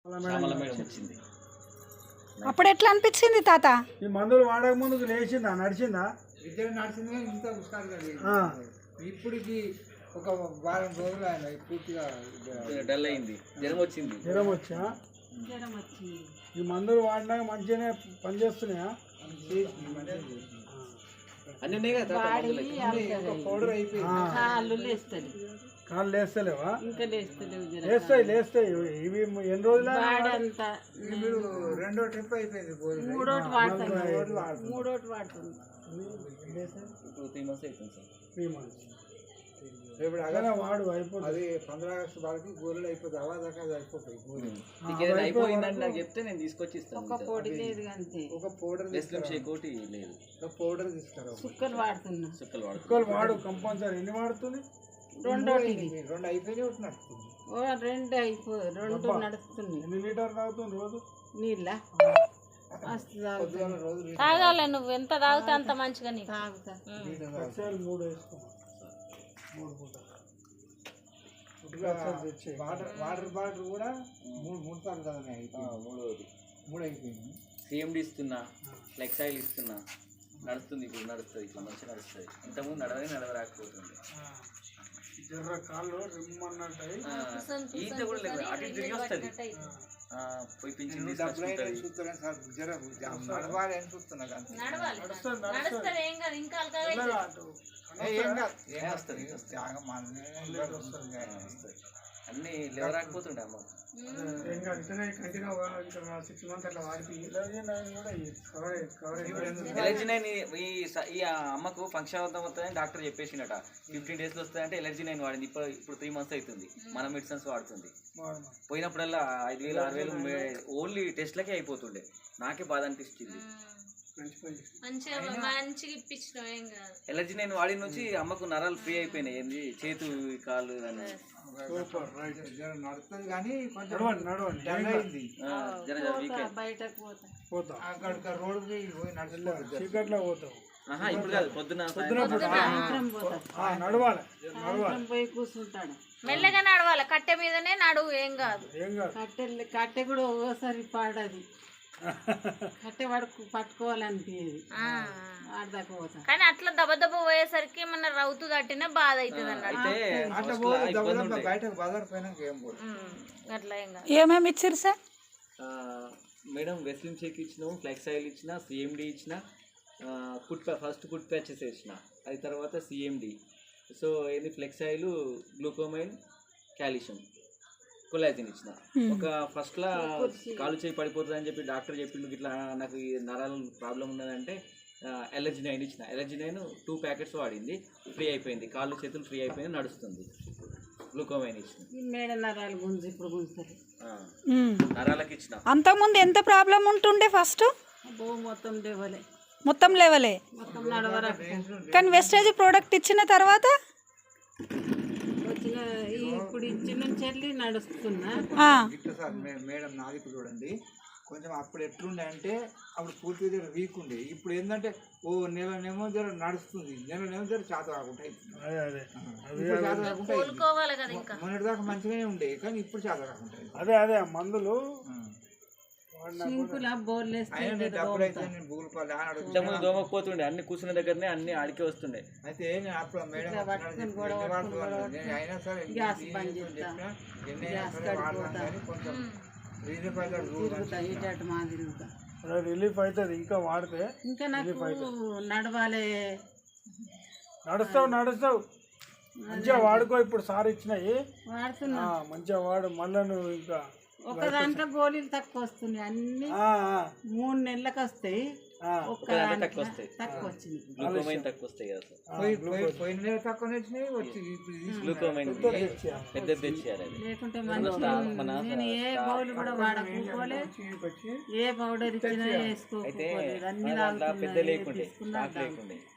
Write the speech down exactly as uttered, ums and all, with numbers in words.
అప్పుడు ఎట్లా అనిపించింది తాత? ఈ మందులు వాడక ముందుకు లేచిందా, నడిచిందా? ఇద్దరు నడిచింది, ఇంత హుషారుగా. ఇప్పటికి ఒక వారం రోజులు ఆయన పూర్తిగా డల్ అయింది, జ్వరం వచ్చింది. జ్వరం వచ్చా? ఈ మందులు వాడినాక మంచిగానే పనిచేస్తున్నాయా? అన్ని ఉన్నాయి కదా, పౌడర్ అయిపోయింది. కాళ్ళు లేస్తలేవా? లేస్తాయి లేస్తాయి. ఇవి ఎన్ని రోజులు? మీరు రెండో ట్రిప్ అయిపోయింది, మూడోటి వాడుతుంది. మూడోటి వాడుతుంది త్రీ మంత్స్ అయిపోయింది సార్. త్రీ మంత్స్ ఇప్పుడు అదే వాడు అయిపోతుంది. అది పంద్రా ఆగస్టు వాళ్ళకి గోళీలు అయిపోతాయి, అవా దాకా అయిపోతాయి. అయిపోయిందని నాకు చెప్తే నేను తీసుకొచ్చి ఇస్తాను. ఒక పౌడర్ కోటి లేదు, ఒక పౌడర్ తీసుకురా. సుక్కలు వాడుతున్నా. సుక్కలు వాడు సుక్కలు వాడు కంపల్సరీ. ఎన్ని వాడుతుంది? రెండు రెండు అయిపోయినాయి, ఒకటి నడుస్తుంది. రెండు అయిపో రెండు నడుస్తుంది. ఎన్ని లీటర్ తాగుతుంది రోజు నీళ్ళ? తాగాలి, నువ్వు ఎంత తాగుతా అంత మంచిగా నీకు. తాగుతా. మూడు వేసుకో, మూడు పూట. వాటర్ వాటర్ బాటిల్ కూడా మూడు మూడు సార్లు కదా మూడోది మూడు అయిపోయింది. సిఎండి ఇస్తున్నా, ఫ్లెక్సాయిల్ ఇస్తున్నా, నడుస్తుంది. ఇప్పుడు నడుస్తుంది, ఇట్లా మంచిగా నడుస్తుంది. ఇంతకుముందు నడవని నడవరాకపోతుంది. జర్ర కాళ్ళు రిమ్మన్నట్టాయి. ఈత కూడా లేదు, అటు ఇటు తిరిగి వస్తుంది. పోయి పింఛన్ నడవాలి అని చూస్తున్నా. అన్ని లేవరాకపోతుండే అమ్మ. ఎలర్జీ నైన్ ఈ అమ్మకు ఫంక్షన్ అవుతాం వస్తుందని డాక్టర్ చెప్పేసిండట. ఫిఫ్టీన్ డేస్లో వస్తుందంటే ఎలర్జీ నైన్ వాడింది. ఇప్పుడు ఇప్పుడు త్రీ మంత్స్ అవుతుంది, మన మెడిసిన్స్ వాడుతుంది. పోయినప్పుడల్లా ఐదు వేలు ఆరు వేలు ఓన్లీ టెస్ట్లకే అయిపోతుండే. నాకే బాధ అనిపిస్తుంది. ఎలర్జీ నేను వాడి నుంచి అమ్మకు నరాలు ఫ్రీ అయిపోయినాయి. ఏంది చేతు కాళ్ళు అని నడుస్తుంది కానీ కొంచెం చీకట్లో పోతాం. ఇప్పుడు కాదు, పొద్దున నడవాలి. పోయి కూర్చుంటాడు. మెల్లగా నడవాలి, కట్టె మీదనే నడువు, ఏం కాదు. కట్టె కట్టె కూడా ఒక్కోసారి పాడది. కట్టె పడుకు పట్టుకోవాలనిపించేది, కానీ అట్లా దెబ్బ దెబ్బ పోయేసరికి మన రౌతు తట్టిన బాధ అవుతుంది అన్నట్టు. అట్లా ఏం కాదు. ఏమేమి ఇచ్చారు సార్? మేడం వెస్లిన్ షేక్ ఇచ్చినాము, ఫ్లెక్స్ ఆయిల్ ఇచ్చిన, సిఎండి ఇచ్చిన, ఫుట్ ఫస్ట్ ఫుట్ ప్యాచెస్ ఇచ్చిన, అది తర్వాత సిఎండి. సో ఏంది ఫ్లెక్స్ ఆయిల్, గ్లూకోమైన్, కాల్షియం, కొలాజిన్ ఇచ్చిన. ఒక ఫస్ట్లో కాలు చేయి పడిపోతుంది అని చెప్పి డాక్టర్ చెప్పిండు, ఇట్లా నాకు ఈ నరాల ప్రాబ్లం ఉన్నదంటే ఎలర్జీ నైన్ ఇచ్చిన. ఎలర్జీ నైన్ టూ ప్యాకెట్స్ వాడింది, ఫ్రీ అయిపోయింది. కాళ్ళు చేతులు ఫ్రీ అయిపోయింది, నడుస్తుంది. గ్లూకోమైన్ ఇచ్చిన. మేడ నరాలు గుంజు ఇప్పుడు గుంజుతుంది. నరాలకి ఇచ్చిన. అంతకుముందు ఎంత ప్రాబ్లం ఉంటుండే? ఫస్ట్ మొత్తం లేవలే, మొత్తం లేవలే, మొత్తం నడవరా. కానీ వెస్టేజ్ ప్రోడక్ట్ ఇచ్చిన తర్వాత వచ్చిన ఇప్పుడు ఇచ్చిన నుంచి వెళ్ళి నడుస్తున్నా. మేడం నాది చూడండి, కొంచెం అప్పుడు ఎట్లుండే అంటే అప్పుడు పూర్తిగా వీక్ ఉండే. ఇప్పుడు ఏంటంటే ఓ నెలనేమో జర నడుస్తుంది, నెలనేమో జర చేత కాకుండా మొన్నటి దాకా మంచిగానే ఉండే, కానీ ఇప్పుడు చేత కాకుండా. అదే అదే మందులు దోమకపోతుండే, అన్ని కూర్చున్న దగ్గరనే అన్ని ఆడికే వస్తుండే. అయితే నేను అప్పుడు మేడం అయినా సరే కొంచెం రిలీఫ్ అవుతుంది. ఇంకా వాడితే ఇంకా నాకు నడవాలి. నడుస్తావు నడుస్తావు మంచిగా వాడుకో. ఇప్పుడు సార్ ఇచ్చినాయి వాడుతున్నా, మంచిగా వాడు. మళ్ళీ నువ్వు ఇంకా ఒక దాంట్లో గోళీలు తక్కువ వస్తున్నాయి, అన్ని మూడు నెలలకు వస్తాయి. ఒక్క తక్కువ వస్తాయి, తక్కువ వచ్చింది. గ్లూకోమైన్ తక్కువ వస్తాయి కదా సార్. పోయిన నెల తక్కువ వచ్చినాయి, వచ్చి గ్లూకోమైన్ పెద్దది తెచ్చేయాలి. లేకుంటే నేను ఏ పౌడర్ కూడా వాడకపోలే, ఏ పౌడర్ ఇచ్చినా వేసుకోకపోలేదు. అన్ని పెద్ద లేకుండే, లేకుండే